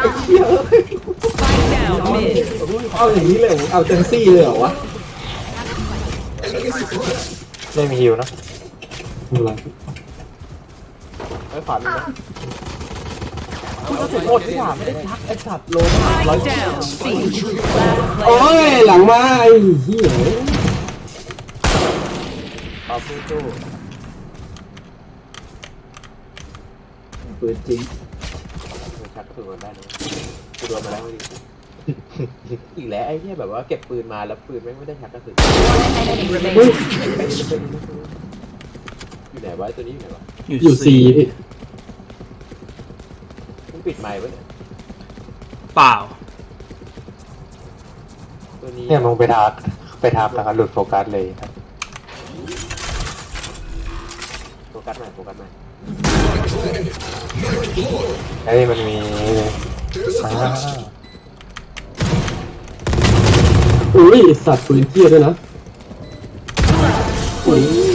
เหี้ย Spike down mid. เอาอย่างนี้เลยเหรอเอาเจนซี่เลยเหรอวะไม่มีฮิวนะอะไรไม่ฝันนะคุณก็ถูกโทษที่ถามไม่ได้ทักไอ้สัตว์โลน Spike down. C. Last โอ้ player. ยหลังมาไอ้เหี้ยเอาสู้สู้ปืนจริงชักกระสุนมันได้นะกูโดนมาแล้วดิอีกแล้วไอ้เนี่ยแบบว่าเก็บปืนมาแล้วปืนไม่ได้ชักกระสุน Enemy เฮ้ย remaining. อยู่ไหนวะตัวนี้อยู่ไหนวะอยู่ซีพี่มึงปิดไมค์วะเนี่ยเปล่าตัวนี้เนี่ยมึงไปทักแล้วก็หลุดโฟกัสเลยครับโฟกัสหน่อยโฟกัสหน่อยไอ้ยมันมีอ่าอุ้ยไอ้สัตว์ปืนเหี้ยด้วยนะอุ้ย